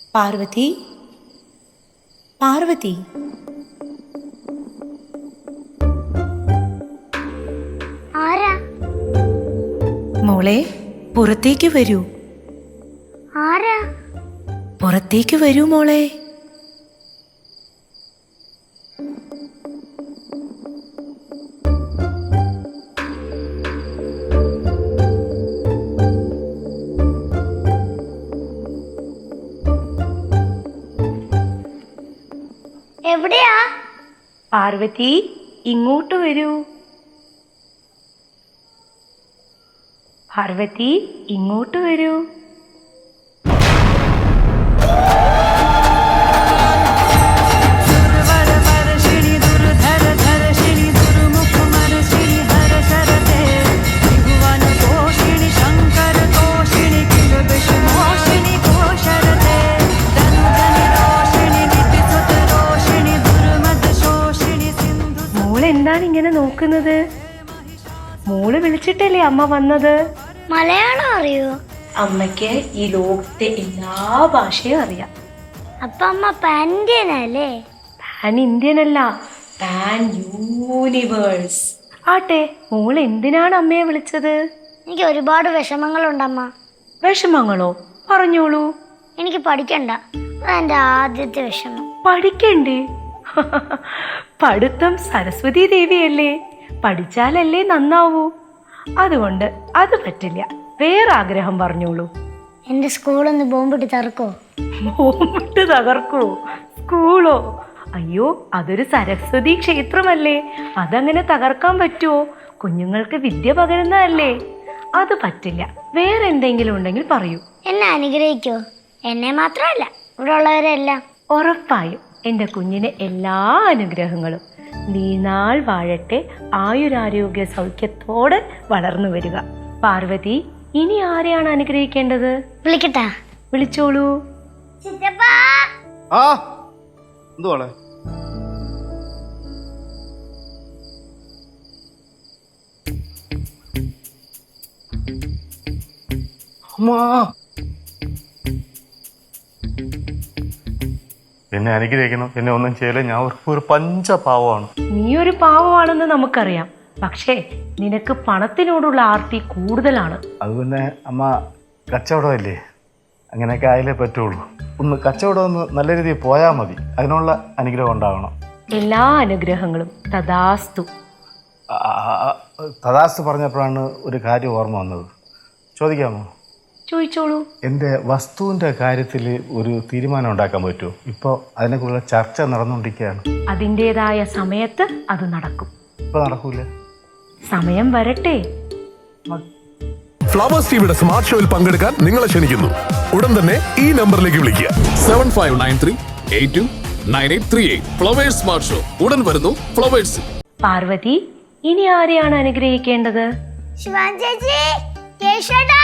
പാർവതി, പാർവതി, ആരാ? മോളെ പുറത്തേക്ക് വരൂ. ആരാ? പുറത്തേക്ക് വരൂ മോളെ. എവിടെയാ? പാർവതി, ഇങ്ങോട്ട് വരൂ. പാർവതി, ഇങ്ങോട്ട് വരൂ. എന്താണ് ഇങ്ങനെ നോക്കുന്നത്? മോള് വിളിച്ചിട്ടല്ലേ അമ്മ വന്നത്? മലയാളം അറിയോ? അമ്മയ്ക്ക് ഈ ലോകത്തെ എല്ലാ ഭാഷയും അറിയാം. അപ്പൊ അമ്മ പാൻ ഇന്ത്യൻ അല്ലേ? പാൻ ഇന്ത്യൻ അല്ല, പാൻ യൂണിവേഴ്സ്. ആട്ടെ, മോൾ എന്തിനാണ് അമ്മയെ വിളിച്ചത്? എനിക്ക് ഒരുപാട് വിഷമങ്ങളുണ്ടമ്മ. വിഷമങ്ങളോ? പറഞ്ഞോളൂ. എനിക്ക് പഠിക്കണ്ട, അതെന്റെ ആദ്യത്തെ വിഷമം. പഠിക്കണ്ടേ? പഠിത്തം സരസ്വതി ദേവിയല്ലേ, പഠിച്ചാലല്ലേ നന്നാവൂ. അതുകൊണ്ട് അത് പറ്റില്ല. വേറെ ആഗ്രഹം പറഞ്ഞോളൂ. എന്റെ സ്കൂളൊന്ന് ബോംബിട്ട് തകർക്കോ? ബോംബിട്ട് തകർക്കോ? സ്കൂളോ? അയ്യോ, അതൊരു സരസ്വതി ക്ഷേത്രമല്ലേ, അതങ്ങനെ തകർക്കാൻ പറ്റുമോ? കുഞ്ഞുങ്ങൾക്ക് വിദ്യ പകരുന്നതല്ലേ, അത് പറ്റില്ല. വേറെ എന്തെങ്കിലും ഉണ്ടെങ്കിൽ പറയൂ. എന്നെ അനുഗ്രഹിക്കോ? എന്നെ മാത്രമല്ല, ഇവിടെ ഉള്ളവരെല്ലാം. ഉറപ്പായും എൻ്റെ കുഞ്ഞിന് എല്ലാ അനുഗ്രഹങ്ങളും. നീനാൾ വാഴട്ടെ, ആയുരാരോഗ്യ സൗഖ്യത്തോടെ വളർന്നു വരിക. പാർവതി, ഇനി ആരെയാണ് അനുഗ്രഹിക്കേണ്ടത്? വിളിക്കട്ടാ? വിളിച്ചോളൂ. എന്നെ അനുഗ്രഹിക്കണം. എന്നെ ഒന്നും ചെയ്യല, ഞാൻ ഒരു പഞ്ചപാവമാണ്. നീ ഒരു പാവമാണെന്ന് നമുക്കറിയാം, പക്ഷേ നിനക്ക് പണത്തിനോടുള്ള ആർത്തി കൂടുതലാണ്. അത് പിന്നെ അമ്മ കച്ചവടമല്ലേ, അങ്ങനെയൊക്കെ ആയാലേ പറ്റുള്ളൂ. ഒന്ന് കച്ചവടം ഒന്ന് നല്ല രീതിയിൽ പോയാൽ മതി, അതിനുള്ള അനുഗ്രഹം ഉണ്ടാകണം. എല്ലാ അനുഗ്രഹങ്ങളും തഥാസ്തു. തഥാസ്തു പറഞ്ഞപ്പോഴാണ് ഒരു കാര്യം ഓർമ്മ വന്നത്. ചോദിക്കാമോ? ചോദിച്ചോളൂ. എൻ്റെ വസ്തുവിൻ്റെ കാര്യത്തിൽ ഒരു തീരുമാനം ഉണ്ടാക്കാൻ പറ്റുമോ? ഇപ്പോൾ അതിനെക്കുറിച്ചുള്ള ചർച്ച നടന്നുകൊണ്ടിരിക്കുകയാണ്. അതിൻ്റെതായ സമയത്ത് അത് നടക്കും. ഇപ്പോൾ നടക്കൂല, സമയം വരട്ടെ. ഫ്ലവേഴ്സ് ടിവിയുടെ സ്മാർട്ട് ഷോയിൽ പങ്കെടുക്കാൻ നിങ്ങളെ ക്ഷണിക്കുന്നു. ഉടൻ തന്നെ ഈ നമ്പറിലേക്ക് വിളിക്കുക. 7593829838. ഫ്ലവേഴ്സ് സ്മാർട്ട് ഷോ ഉടൻ വരുന്നു ഫ്ലവേഴ്സ്. പാർവതി, ഇനി ആരെയാണ് അനുഗ്രഹിക്കേണ്ടത്? ശിവാൻ ചേച്ചി, കേശടാ.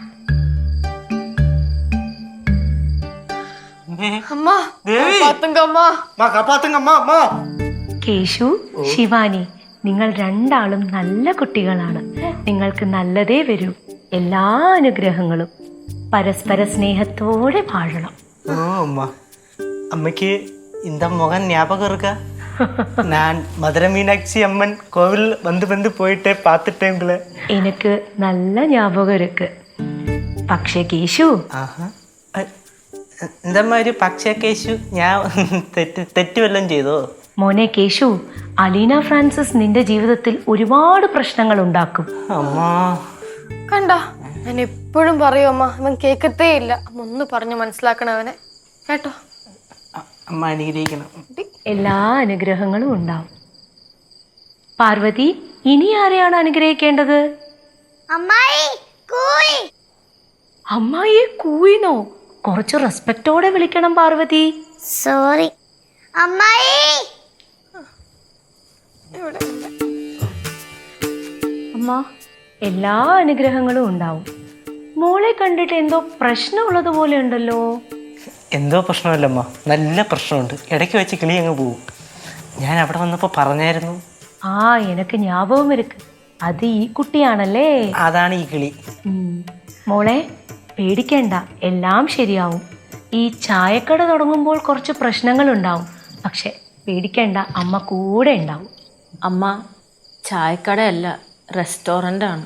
കേശു, ശിവാനി, നിങ്ങൾ രണ്ടാളും നല്ല കുട്ടികളാണ്. നിങ്ങൾക്ക് നല്ലതേ വരൂ. എല്ലാ അനുഗ്രഹങ്ങളും. പരസ്പര സ്നേഹത്തോടെ വാഴണം. ஓ அம்மா, அம்மைக்கு இந்த முகம் ஞாபகம் இருக்கா? நான் மதுரை மீனாட்சி அம்மன் கோவில் வந்து போயிட்டே பார்த்துட்டேன் உங்களை. എനിക്ക് നല്ല ஞாபகம் இருக்கு. പക്ഷേ കേശു, இந்த மாதிரி പക്ഷേ കേശു, ഞാൻ തെറ്റ് വല്ലതും ചെയ്തോ? മോനെ കേശു, അലീന ഫ്രാൻസിസ് നിന്റെ ജീവിതത്തിൽ ഒരുപാട് പ്രശ്നങ്ങൾ ഉണ്ടാക്കും. അമ്മ കണ്ട, ഞാൻ എപ്പോഴും പറയും അമ്മ, അവൻ കേൾക്കത്തേ ഇല്ല. അമ്മ ഒന്ന് പറഞ്ഞു മനസ്സിലാക്കണം അവനെ, കേട്ടോ? അമ്മ അനുഗ്രഹിക്കണം. എല്ലാ അനുഗ്രഹങ്ങളും ഉണ്ടാവും. പാർവതി, ഇനി ആരെയാണ് അനുഗ്രഹിക്കേണ്ടത്? അമ്മായി കൂയി. അമ്മായിയെ കൂയിനോ? കുറച്ച് റെസ്പെക്റ്റോടെ വിളിക്കണം പാർവതി. സോറി അമ്മായി. അമ്മ, എല്ലാ അനുഗ്രഹങ്ങളും ഉണ്ടാവും. മോളെ കണ്ടിട്ട് എന്തോ പ്രശ്നമുള്ളതുപോലെ ഉണ്ടല്ലോ. എന്തോ പ്രശ്നമല്ലമ്മ, നല്ല പ്രശ്നമുണ്ട്. ഇടയ്ക്ക് വെച്ച് കിളി അങ്ങ് പോവും. ഞാൻ അവിടെ വന്നപ്പോൾ പറഞ്ഞായിരുന്നു. ആ, എനിക്ക് ஞாபகம் இருக்கு. അത് ഈ കുട്ടിയാണല്ലേ? അതാണ് ഈ കിളി. മോളെ പേടിക്കണ്ട, എല്ലാം ശരിയാവും. ഈ ചായക്കട തുടങ്ങുമ്പോൾ കുറച്ച് പ്രശ്നങ്ങളുണ്ടാവും, പക്ഷെ പേടിക്കേണ്ട, അമ്മ കൂടെ ഉണ്ടാവും. അമ്മ ചായക്കടയല്ല, റെസ്റ്റോറൻ്റ് ആണ്.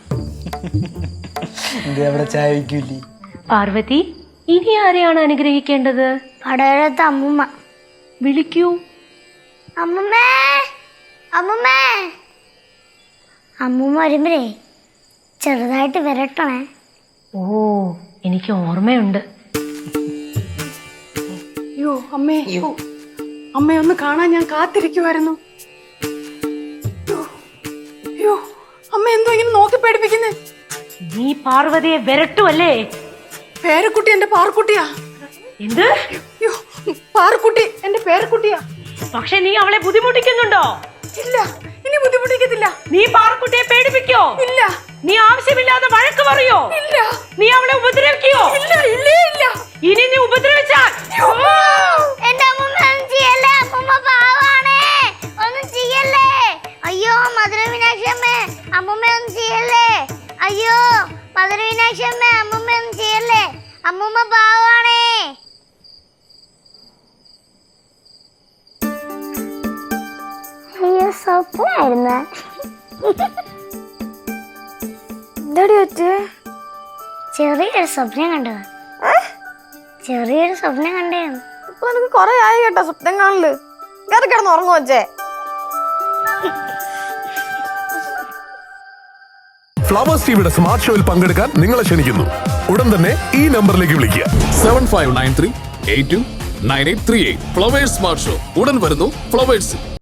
അവിടെ ചായ വയ്ക്കൂലേ? പാർവതി, ഇനി ആരെയാണ് അനുഗ്രഹിക്കേണ്ടത്? കടയിലത്തെ അമ്മുമ്മ. വിളിക്കൂ. അമ്മുമ്മേ, അമ്മുമ്മേ. അമ്മുമ്മ വരുമ്പഴേ ചെറുതായിട്ട് വിരട്ടണേ. ഓ, എനിക്ക് ഓർമ്മയുണ്ട്. അയ്യോ അമ്മേ, അമ്മയെ ഒന്ന് കാണാൻ ഞാൻ കാത്തിരിക്കുമായിരുന്നു. അയ്യോ അമ്മ എന്തോ ഇങ്ങനെ നോക്കി പേടിപ്പിക്കുന്നേ? നീ പാർവതിയെ വിരട്ടുമല്ലേ? പേരക്കുട്ടി എന്റെ പാറക്കുട്ടിയാ. എന്ത്? അയ്യോ, പാറക്കുട്ടി എന്റെ പേരക്കുട്ടിയാ. പക്ഷെ നീ അവളെ ബുദ്ധിമുട്ടിക്കുന്നുണ്ടോ? ഇല്ല, ഇനി ബുദ്ധിമുട്ടിക്കത്തില്ല. നീ പാറക്കുട്ടിയെ പേടിപ്പിക്കോ? ഇല്ല. നീ ആവശ്യമില്ലാതെ വഴക്ക് പറയോ? ഇല്ല. നീ അവളെ ഉപദ്രവിക്കോ? ഇല്ല, ഇല്ലേ ഇല്ല. ഇനി നീ ഉപദ്രവിച്ചാൽ എന്റെ അമ്മുമ്മ ഒന്നും ചെയ്യല്ലേ, അമ്മുമ്മ പാവാണേ, ഒന്നും ചെയ്യല്ലേ. അയ്യോ മധുര മീനാക്ഷി അമ്മേ, അമ്മുമ്മ ഒന്നും ചെയ്യല്ലേ. അയ്യോ മധുര മീനാക്ഷി അമ്മേ, അമ്മുമ്മ ഒന്നും ചെയ്യല്ലേ, അമ്മുമ്മ പാവാണേ. അയ്യോ സ്വപ്നായിരുന്ന. എന്താടി പറ്റേ? ചെറിയൊരു സ്വപ്നം കണ്ടത്. ചെറിയൊരു സ്വപ്നം കണ്ടേന്ന്. ഇപ്പൊ എനിക്ക് കൊറേ ആയി കേട്ടോ സ്വപ്നം കാണല്. കയറി കിടന്ന് ഉറങ്ങും വെച്ചേ. ഫ്ലവേഴ്സ് ടിവിയുടെ സ്മാർട്ട് ഷോയിൽ പങ്കെടുക്കാൻ നിങ്ങളെ ക്ഷണിക്കുന്നു. ഉടൻ തന്നെ ഈ നമ്പറിലേക്ക് വിളിക്കുക. 7593 829838. ഫ്ലവേഴ്സ് സ്മാർട്ട് ഷോ ഉടൻ വരുന്നു ഫ്ലവേഴ്സ്.